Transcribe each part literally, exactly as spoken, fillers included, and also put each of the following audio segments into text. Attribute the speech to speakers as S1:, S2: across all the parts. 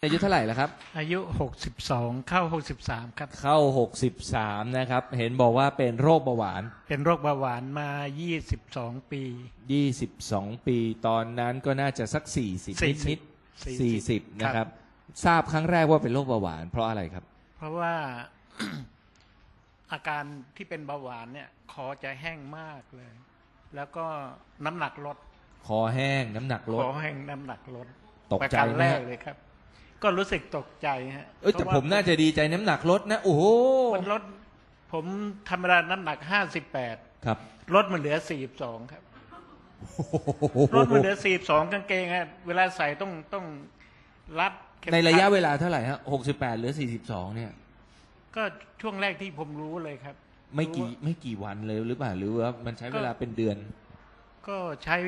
S1: อายุเท่าไหร่แล้วครับ
S2: อายุหกสิบสองเข้าหกสิบสามครับ
S1: เข้าหกสิบสามนะครับเห็นบอกว่าเป็นโรคเบาหวาน
S2: เป็นโรคเบาหวานมายี่สิบสองปี
S1: ยี่สิบสองปีตอนนั้นก็น่าจะสักสี่สิบนิดนิดสี่สิบนะครับทราบครั้งแรกว่าเป็นโรคเบาหวานเพราะอะไรครับ
S2: เพราะว่า อาการที่เป็นเบาหวานเนี่ยคอจะแห้งมากเลยแล้วก็น้ำหนักลด
S1: คอแห้งน้ำหนักลด
S2: คอแห้งน้ำหนักลด
S1: ตกใจ
S2: แรกเลยครับก็รู้สึกตกใจฮะ
S1: เอ้ยแต่ผมน่าจะดีใจน้ำหนักลดนะโอ้โห
S2: มันลดผมธรรมดาน้ำหนักห้าสิบแปด
S1: ครับ
S2: ลดมันเหลือสี่สิบสองครับลดมันเหลือสี่สิบสองกางเกงฮะเวลาใส่ต้องต้องรัด
S1: ในระยะเวลาเท่าไหร่ฮะหกสิบแปดเหลือสี่สิบสองเนี่ย
S2: ก็ช่วงแรกที่ผมรู้เลยครับ
S1: ไม่กี่ไม่กี่วันเลยหรือเปล่าหรือว่ามันใช้เวลาเป็นเดือน
S2: ก็ใช้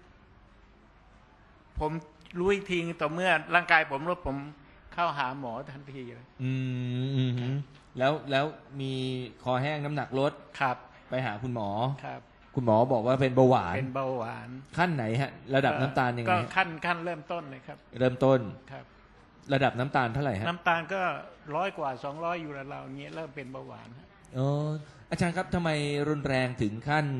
S2: ผมรู้อีกทีต่อเมื่อร่างกายผมลดผมเข้าหาหมอทันทีเลย
S1: อืมแล้วแล้วมีคอแห้งน้ำหนักลด
S2: ครับ
S1: ไปหาคุณหมอ
S2: ครับ
S1: คุณหมอบอกว่าเป็นเบาหวาน
S2: เป็นเบาหวาน
S1: ขั้นไหนฮะระดับน้ำตาลยังไง
S2: ก็ขั้นขั้นเริ่มต้นเลยครับ
S1: เริ่มต้น
S2: ครับ
S1: ระดับน้ำตาลเท่าไหร่ฮะ
S2: น้ำตาลก็ร้อยกว่าสองร้อยอยู่แล้วเราเงี้ยเริ่มเป็นเบาหวาน
S1: อ๋ออาจารย์ครับทำไมรุนแรงถึงขั้น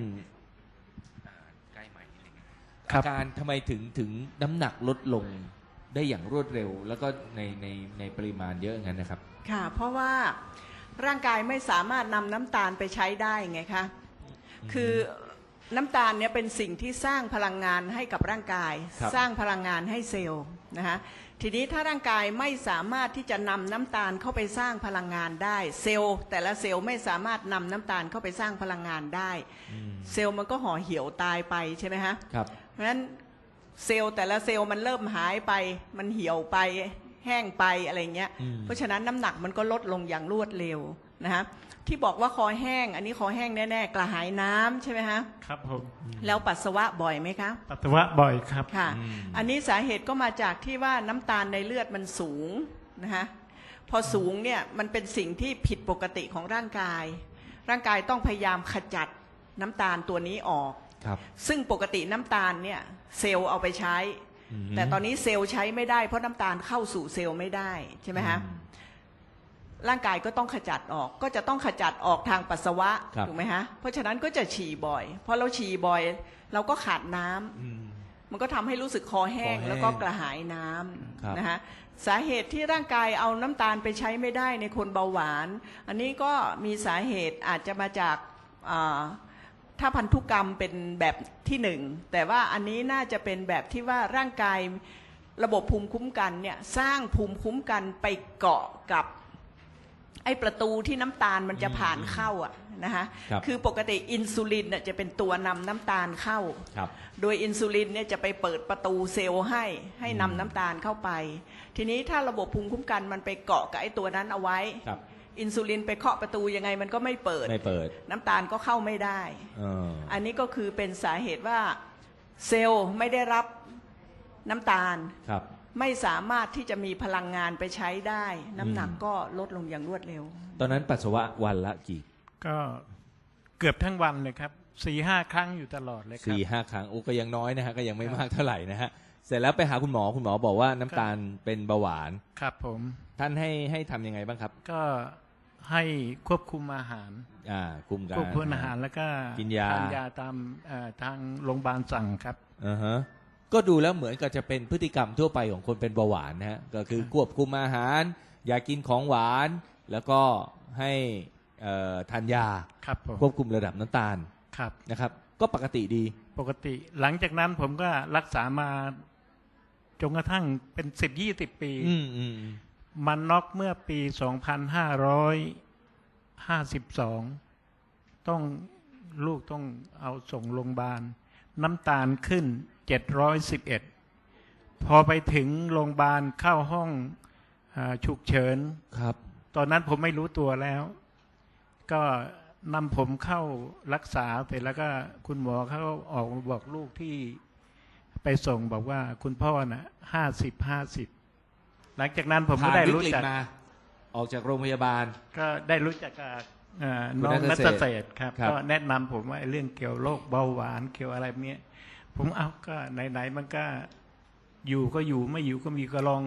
S1: อาการทำไมถึงถึงน้ำหนักลดลงได้อย่างรวดเร็วแล้วก็ในในในปริมาณเยอะงั้นนะครับ
S3: ค่ะเพราะว่าร่างกายไม่สามารถนำน้ำตาลไปใช้ได้ไงคะคือน้ำตาลเนี่ยเป็นสิ่งที่สร้างพลังงานให้กับร่างกายสร้างพลังงานให้เซลล์นะคะทีนี้ถ้าร่างกายไม่สามารถที่จะนำน้ำตาลเข้าไปสร้างพลังงานได้เซลล์แต่ละเซลล์ไม่สามารถนำน้ำตาลเข้าไปสร้างพลังงานได้เซลล์มันก็ห่อเหี่ยวตายไปใช่ไหมฮะ
S1: ครับ
S3: เพราะฉะนั้นเซลล์แต่ละเซลล์มันเริ่มหายไปมันเหี่ยวไปแห้งไปอะไรเงี้ยเพราะฉะนั้นน้ำหนักมันก็ลดลงอย่างรวดเร็วนะฮะที่บอกว่าคอแห้งอันนี้คอแห้งแน่ๆกระหายน้ำใช่ไหมฮะ
S2: ครับผม
S3: แล้วปัสสาวะบ่อยไหมคะ
S2: ปัสสาวะบ่อยครับ
S3: ค่ะอันนี้สาเหตุก็มาจากที่ว่าน้ำตาลในเลือดมันสูงนะคะพอสูงเนี่ยมันเป็นสิ่งที่ผิดปกติของร่างกายร่างกายต้องพยายามขจัดน้ำตาลตัวนี้ออกซึ่งปกติน้ำตาลเนี่ยเซลล์เอาไปใช้แต่ตอนนี้เซลล์ใช้ไม่ได้เพราะน้ำตาลเข้าสู่เซลล์ไม่ได้ใช่ไหมฮะร่างกายก็ต้องขจัดออกก็จะต้องขจัดออกทางปัสสาวะถูกไหมฮะเพราะฉะนั้นก็จะฉี่บ่อยพอเราฉี่บ่อยเราก็ขาดน้ำมันก็ทำให้รู้สึกคอแห้งแล้วก็กระหายน้ำนะฮะสาเหตุที่ร่างกายเอาน้ำตาลไปใช้ไม่ได้ในคนเบาหวานอันนี้ก็มีสาเหตุอาจจะมาจากถ้าพันธุกรรมเป็นแบบที่หนึ่งแต่ว่าอันนี้น่าจะเป็นแบบที่ว่าร่างกายระบบภูมิคุ้มกันเนี่ยสร้างภูมิคุ้มกันไปเกาะกับไอ้ประตูที่น้ำตาลมันจะผ่านเข้าอ่ะนะคะคือปกติอินซูลินจะเป็นตัวนำน้ำตาลเข้าโดยอินซูลินเนี่ยจะไปเปิดประตูเซลล์ให้ให้นำน้ำตาลเข้าไปทีนี้ถ้าระบบภูมิคุ้มกันมันไปเกาะกับไอ้ตัวนั้นเอาไว้อินซูลินไปเคาะประตูยังไงมันก็ไม่เปิด
S1: ไม่เปิด
S3: น้ำตาลก็เข้าไม่ได้อันนี้ก็คือเป็นสาเหตุว่าเซลล์ไม่ได้รับน้ำตาลไม่สามารถที่จะมีพลังงานไปใช้ได้น้ำหนักก็ลดลงอย่างรวดเร็ว
S1: ตอนนั้นปัสสาวะวันละกี่
S2: ก็เกือบทั้งวันเลยครับสี่ห้าครั้งอยู่ตลอดเลยครับ
S1: สี่ห้าครั้งโอ้ก็ยังน้อยนะฮะก็ยังไม่มากเท่าไหร่นะฮะเสร็จแล้วไปหาคุณหมอคุณหมอบอกว่าน้ำตาลเป็นเบาหวาน
S2: ครับผม
S1: ท่านให้ให้ทำยังไงบ้างครับ
S2: ก็ให้ควบคุมอาหาร
S1: อ่าคุมการ
S2: ควบคุมอาหารแล้วก็
S1: กินยา
S2: ทานยาตามทางโรงพยาบาลสั่งครับ
S1: อ่าฮะก็ดูแล้วเหมือนกับจะเป็นพฤติกรรมทั่วไปของคนเป็นเบาหวานนะฮะก็คือควบคุมอาหารอย่ากินของหวานแล้วก็ให้ทานยาควบคุมระดับน้ำตาลนะครับก็ปกติดี
S2: ปกติหลังจากนั้นผมก็รักษามาจนกระทั่งเป็นสิบยี่สิบปีมันน็อกเมื่อปีสองพันห้าร้อยห้าสิบสองต้องลูกต้องเอาส่งโรงพยาบาลน้ำตาลขึ้นเจ็ดร้อยสิบเอ็ดพอไปถึงโรงพยาบาลเข้าห้องฉุกเฉิน
S1: ครับ
S2: ตอนนั้นผมไม่รู้ตัวแล้วก็นำผมเข้ารักษาไปแล้วก็คุณหมอเขาออกมาบอกลูกที่ไปส่งบอกว่าคุณพ่อน่ะห้าสิบห้าสิบหลังจากนั้นผมก็ได้รู้จัก
S1: ออกจากโรงพยาบาล
S2: ก็ได้รู้จักกับน้องนัทเศรษฐ์ครับก็แนะนำผมว่าเรื่องเกี่ยวโรคเบาหวานเกี่ยวอะไรเนี้ยผมเอาก็ไหนๆมันก็อยู่ก็อยู่ไม่อยู่ก็มีก็ลอง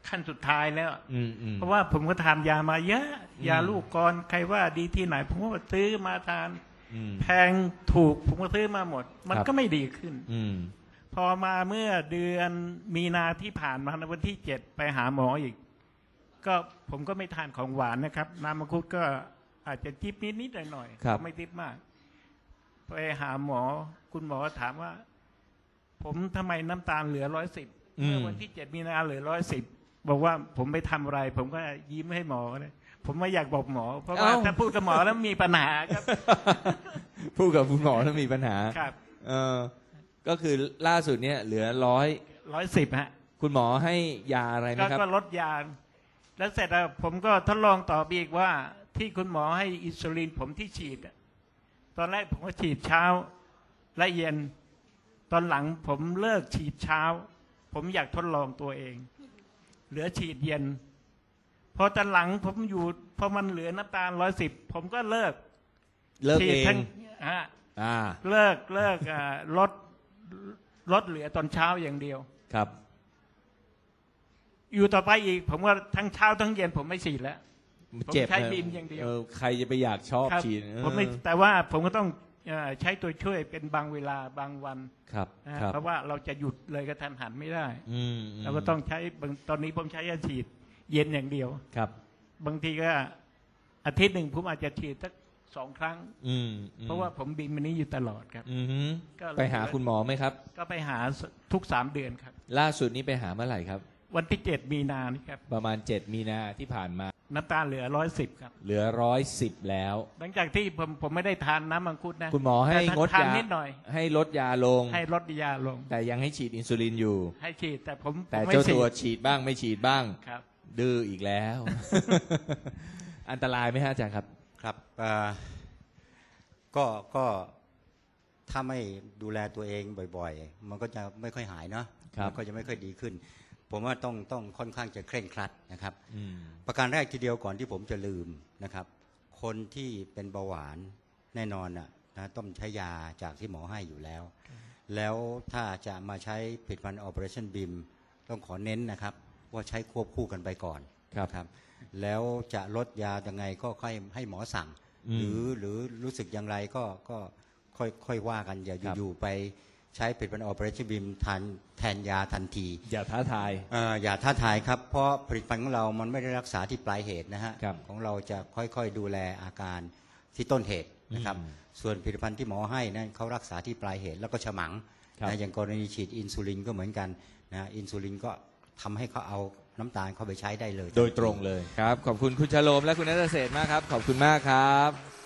S2: ขั้นสุดท้ายแล้ว
S1: อืมอืม
S2: เพราะว่าผมก็ทานยามาเยอะ
S1: อืม
S2: ยาลูกกรใครว่าดีที่ไหน ผมก็ซื้อมาทาน
S1: อืม
S2: แพงถูกผมก็ซื้อมาหมด มัน
S1: ครับ
S2: ก็ไม่ดีขึ้น
S1: อืม
S2: พอมาเมื่อเดือนมีนาที่ผ่านมาในวันที่เจ็ดไปหาหมออีก ก็ผมก็ไม่ทานของหวานนะครับน้ำมังคุดก็อาจจะจิบนิดนิดหน่อยหน่อยๆ
S1: ครับ
S2: ก็ไม่จิบมาก ไปหาหมอ คุณหมอถามว่า ผมทำไมน้ำตาลเหลือร้อยสิบเมื่อวันที่เจ็ดมีนาเหลือร้อยสิบบอกว่าผมไปทำอะไร ผมก็ยิ้มให้หมอเลยผมไม่อยากบอกหมอ เพราะว่า
S1: เอ้า
S2: ถ้าพูดกับหมอแล้วมีปัญหาครับ
S1: พูดกับคุณหมอถ้ามีปัญหา
S2: ครับ
S1: เออก็คือล่าสุดเนี่ยเหลือร้อย
S2: ร้อยสิบฮะ
S1: คุณหมอให้ยาอะไรไหม
S2: ก็
S1: ครับ
S2: ก็ลดยา แล้วเสร็จแล้วผมก็ทดลองต่อไปอีกว่า ที่คุณหมอให้อินซูลินผมที่ฉีดอะตอนแรกผมก็ฉีดเช้าและเย็น ตอนหลังผมเลิกฉีดเช้า ผมอยากทดลองตัวเอง เหลือฉีดเย็น พอตอนหลังผมอยู่พอมันเหลือน้ำตาลร้อยสิบผมก็เลิก
S1: เลิก
S2: ฉี
S1: เอ
S2: ดทั้
S1: ง
S2: อ่ะ
S1: อ่า
S2: เลิกเลิกอ่าลดลดเหลือตอนเช้าอย่างเดียว
S1: ครับ
S2: อยู่ต่อไปอีก ผมว่าทั้งเช้าทั้งเย็นผมไม่ฉีดแล้ว ผม
S1: เจ็บ
S2: ใช้
S1: นะ
S2: บิมอย่างเดียว
S1: ออใครจะไปอยากชอบ
S2: ครับ
S1: ฉีดเออ
S2: ผมไม่แต่ว่าผมก็ต้องเอ่อใช้ตัวช่วยเป็นบางเวลาบางวัน
S1: ครับ
S2: นะฮะ
S1: ครับ
S2: เพราะว่าเราจะหยุดเลยกระทันหันไม่ได้
S1: อืมม
S2: เราก็ต้องใช้บางตอนนี้ผมใช้ยาฉีดเย็นอย่างเดียว
S1: ครับ
S2: บางทีก็อาทิตย์หนึ่งผมอาจจะฉีดสักสองครั้ง
S1: อืมอืม
S2: เพราะว่าผมบินมันนี้อยู่ตลอดครับ
S1: อือหือ
S2: ก็เลย
S1: ไปหาคุณหมอไหมครับ
S2: ก็ไปหาทุกสามเดือนครับ
S1: ล่าสุดนี้ไปหาเมื่อไหร่ครับ
S2: วันที่เจ็ดมีนานี่ครับ
S1: ประมาณเจ็ดมีนาที่ผ่านมา
S2: น้ำตาลเหลือร้อยสิบครับ
S1: เหลือร้อยสิบแล้ว
S2: หลังจากที่ผมผมไม่ได้ทานน้ำมังคุดนะ
S1: คุณหมอให้
S2: แต่
S1: งด
S2: ทาน
S1: ยา
S2: นิดหน่อย
S1: ให้ลดยาลง
S2: ให้ลดยาลง
S1: แต่ยังให้ฉีดอินซูลินอยู่
S2: ให้ฉีดแต่ผม
S1: แต่
S2: ผมไม่
S1: เจ้า
S2: ฉี
S1: ตัว
S2: ด
S1: ฉีดบ้างไม่ฉีดบ้าง
S2: ครับ
S1: ดื้ออีกแล้ว อันตรายไหมฮะอาจารย์ครับ
S4: ครับเอ่อก็ก็ถ้าไม่ดูแลตัวเองบ่อยๆ มันก็จะไม่ค่อยหายเนาะ
S1: ครับ
S4: มันก็จะไม่ค่อยดีขึ้น ผมว่าต้องต้องค่อนข้างจะเคร่งครัดนะครับ
S1: อืม
S4: ประการแรกทีเดียวก่อนที่ผมจะลืมนะครับ คนที่เป็นเบาหวานแน่นอนนะนะต้องใช้ยาจากที่หมอให้อยู่แล้ว แล้วถ้าจะมาใช้ผลิตภัณฑ์ Operationบี เอ็ม ต้องขอเน้นนะครับ ว่าใช้ควบคู่กันไปก่อน
S1: ครับ
S4: นะครับ แล้วจะลดยายังไงก็ค่อยให้หมอสั่ง
S1: อืม
S4: หรือหรือรู้สึกอย่างไรก็ก็ค่อยค่อยว่ากันอย่า
S1: ครับ
S4: อยู่ๆไปใช้ผลิตภัณฑ์ Operationบี เอ็ม ทานแทนยาทันที
S1: อย่าท้าทาย
S4: เอ่ออย่าท้าทายครับ เพราะผลิตภัณฑ์ของเรามันไม่ได้รักษาที่ปลายเหตุนะฮะ
S1: ครับ
S4: ของเราจะค่อยๆดูแลอาการที่ต้นเหตุนะครับ
S1: อืม
S4: ส่วนผลิตภัณฑ์ที่หมอให้นั้นเขารักษาที่ปลายเหตุแล้วก็ฉมัง
S1: ครับ
S4: นะอย่างกรณีฉีดอินซูลินก็เหมือนกันนะอินซูลินก็ทำให้เขาเอาน้ำตาลเข้าไปใช้ได้เลย
S1: โดยตรงเลยครับ ขอบคุณคุณชโลมและคุณนัทเศรษฐ์มากครับ ขอบคุณมากครับ